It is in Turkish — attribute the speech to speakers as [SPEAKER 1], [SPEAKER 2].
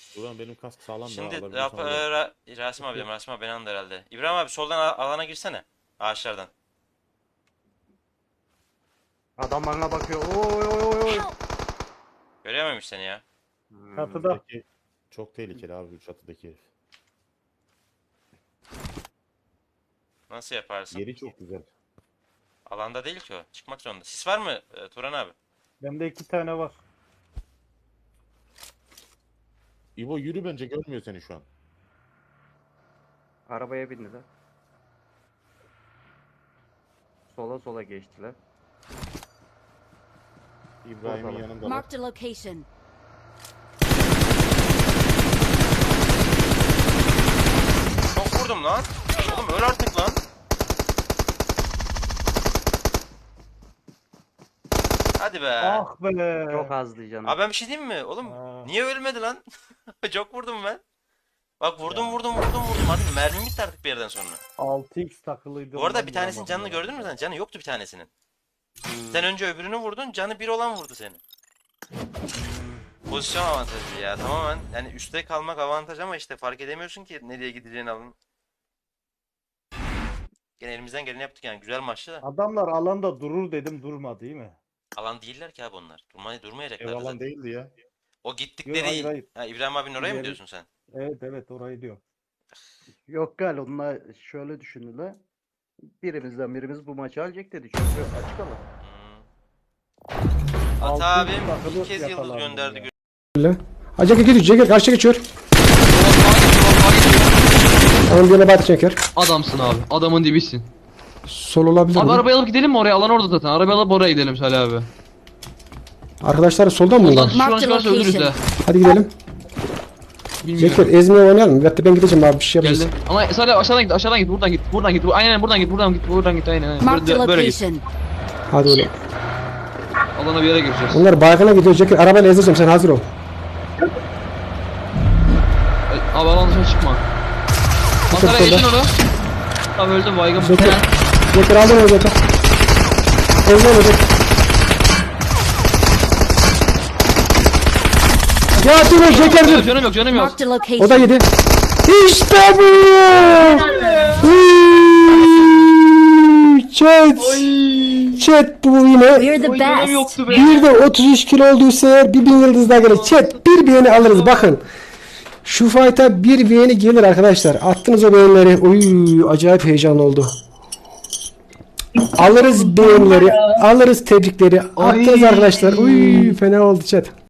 [SPEAKER 1] Ulan benim kask sağlam da
[SPEAKER 2] Şimdi
[SPEAKER 1] alabilirsem alırım.
[SPEAKER 2] Rasim abi diyorum. Rasim abi beni andı herhalde. İbrahim abi soldan alana girsene. Ağaçlardan.
[SPEAKER 3] Adam bana bakıyor. Oy oy oy oy.
[SPEAKER 2] Görememiş seni ya.
[SPEAKER 4] Çatıda.
[SPEAKER 1] Çatıdaki çok tehlikeli abi bu çatıdaki herif.
[SPEAKER 2] Nasıl yaparsın?
[SPEAKER 1] Yeri çok güzel.
[SPEAKER 2] Alanda değil ki o. Çıkmak zorunda. Sis var mı Turan abi?
[SPEAKER 4] Bende 2 tane var.
[SPEAKER 1] İbo yürü, bence görmüyor seni şu an.
[SPEAKER 3] Arabaya bindiler. Sola sola geçtiler.
[SPEAKER 1] İbrahim'in
[SPEAKER 3] Oradalar.
[SPEAKER 1] yanında.
[SPEAKER 5] Marked a location.
[SPEAKER 2] Çok vurdum lan. Oğlum öl artık lan. Hadi be.
[SPEAKER 4] Ah be.
[SPEAKER 3] Çok azdı canım.
[SPEAKER 2] Abi ben bir şey diyeyim mi? Oğlum
[SPEAKER 4] Aa.
[SPEAKER 2] niye ölmedi lan? Çok vurdum ben. Bak vurdum
[SPEAKER 1] Ya.
[SPEAKER 2] vurdum. Hadi mermim bitti artık bir yerden sonra.
[SPEAKER 4] 6x takılıydı.
[SPEAKER 2] Bu arada
[SPEAKER 4] ondan
[SPEAKER 2] bir tanesinin
[SPEAKER 4] vuramadım
[SPEAKER 2] canını
[SPEAKER 4] ya.
[SPEAKER 2] gördün mü sen? Canı yoktu bir tanesinin.
[SPEAKER 3] Hmm.
[SPEAKER 2] Sen önce öbürünü vurdun. Canı bir olan vurdu seni. Pozisyon avantajı ya tamamen. Yani üstte kalmak avantaj ama işte fark edemiyorsun ki nereye gideceğini alın. Gene elimizden geleni yaptık yani. Güzel maçtı da.
[SPEAKER 4] Adamlar alanda durur dedim, durmadı değil mi?
[SPEAKER 2] Alan değiller ki abi onlar. Durmayacaklar
[SPEAKER 1] Ev alan
[SPEAKER 2] zaten.
[SPEAKER 1] değildi ya.
[SPEAKER 2] O
[SPEAKER 4] Yok,
[SPEAKER 2] gittikleri...
[SPEAKER 4] hayır, hayır.
[SPEAKER 2] Ha, İbrahim abinin oraya mı
[SPEAKER 4] İleri-
[SPEAKER 2] diyorsun sen?
[SPEAKER 4] Evet evet, orayı diyor.
[SPEAKER 3] Yok gal onlar şöyle düşündüler. Birimizden birimiz bu maçı alacak dedi. Çünkü açık alan.
[SPEAKER 2] Hmm. Ata
[SPEAKER 4] Altı
[SPEAKER 2] abim
[SPEAKER 4] takılı
[SPEAKER 2] ilk kez yıldız
[SPEAKER 4] yakalandım
[SPEAKER 2] gönderdi.
[SPEAKER 4] ya.
[SPEAKER 6] Öyle. Hacı geçiyor, Ceker karşıya geçiyor. Onun birine bat Ceker.
[SPEAKER 7] Adamsın abi. Adamın dibisin.
[SPEAKER 6] Sol olabilir
[SPEAKER 7] Abi
[SPEAKER 6] mi?
[SPEAKER 7] arabayı alıp gidelim mi oraya? Alan orada zaten. Arabayı alıp oraya gidelim Salih abi.
[SPEAKER 6] Arkadaşlar soldan mı
[SPEAKER 7] Ondan
[SPEAKER 6] bunlar?
[SPEAKER 7] şuradan
[SPEAKER 5] Mark the
[SPEAKER 7] çıkarsa ölürüz
[SPEAKER 5] location.
[SPEAKER 7] de.
[SPEAKER 6] Hadi gidelim.
[SPEAKER 7] Bilmiyorum.
[SPEAKER 6] Ceker ezmeye oynayalım mı? Hatta ben gideceğim abi, bir şey yapacağız.
[SPEAKER 7] Geldim. Ama Salih aşağıdan git, aşağıdan git, buradan git, buradan git. Aynen buradan git, buradan git, aynen.
[SPEAKER 5] Marked a
[SPEAKER 7] Böyle git.
[SPEAKER 5] location.
[SPEAKER 6] Hadi oğlum.
[SPEAKER 7] Alana bir yere gireceğiz.
[SPEAKER 6] Onlar baygına gidiyor Ceker, arabayla ezeceğim, sen hazır ol.
[SPEAKER 7] Abi alan dışına çıkma. Masara
[SPEAKER 6] solda.
[SPEAKER 7] geçin onu. Abi öldüm baygın.
[SPEAKER 6] Ceker. Ceker aldın onu Ceker. Ezme onu Ceker. Ya dur Ceker dur.
[SPEAKER 7] Canım yok, canım yok.
[SPEAKER 5] Marked a
[SPEAKER 6] O da
[SPEAKER 5] location.
[SPEAKER 6] yedi. İşte bu! Chat! Chat bu yine.
[SPEAKER 5] We're the
[SPEAKER 7] Oy, canım
[SPEAKER 5] best.
[SPEAKER 7] yoktu be.
[SPEAKER 6] Bir de 33 kilo olduysa eğer 1000 yıldız daha gelir. Chat bir beğeni alırız bakın. Şu fight'a bir beğeni gelir arkadaşlar. Attınız o beğenileri. Oy acayip heyecanlı oldu. Alırız beğenileri, alırız tebrikleri. Attınız arkadaşlar. Uy fena oldu chat.